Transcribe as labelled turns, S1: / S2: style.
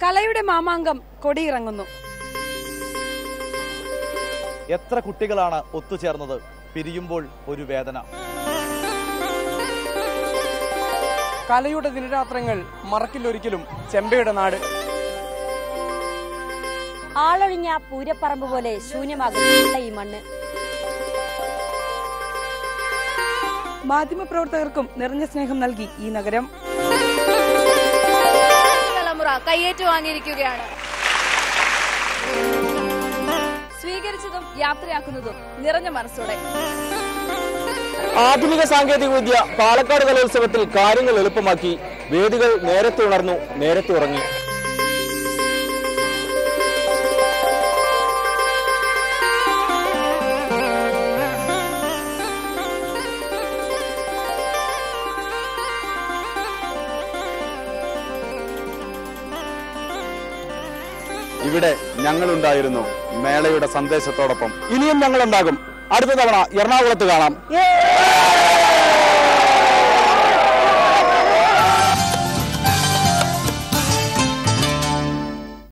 S1: കലയുടെ മാമാങ്കം കൊടിയിറങ്ങുന്നു.
S2: എത്ര കുട്ടികളാണ് ഒത്തുചേർന്നത്, പിരിയുമ്പോൾ ഒരു വേദന.
S3: കലയുടെ ദിനരാത്രങ്ങൾ മറക്കില്ലൊരിക്കലും ചെമ്പയുടെ നാട്.
S4: ആളൊഴിഞ്ഞ പൂരപ്പറമ്പ് പോലെ ശൂന്യമാകുന്ന ഈ മണ്ണ്.
S1: മാധ്യമപ്രവർത്തകർക്കും നിറഞ്ഞ സ്നേഹം നൽകി ഈ നഗരം.
S5: തലമുറ കയ്യേറ്റു വാങ്ങിയിരിക്കുകയാണ്. സ്വീകരിച്ചതും യാത്രയാക്കുന്നതും നിറഞ്ഞ മനസ്സോടെ.
S3: ആധുനിക സാങ്കേതിക വിദ്യ പാലക്കാട് കലോത്സവത്തിൽ കാര്യങ്ങൾ എളുപ്പമാക്കി. വേദികൾ നേരത്തെ ഉണർന്നു, നേരത്തെ ഉറങ്ങി.
S6: ഇവിടെ ഞങ്ങളുണ്ടായിരുന്നു മേളയുടെ സന്ദേശത്തോടൊപ്പം.
S3: ഇനിയും ഞങ്ങളുണ്ടാകും. അടുത്ത തവണ എറണാകുളത്ത് കാണാം.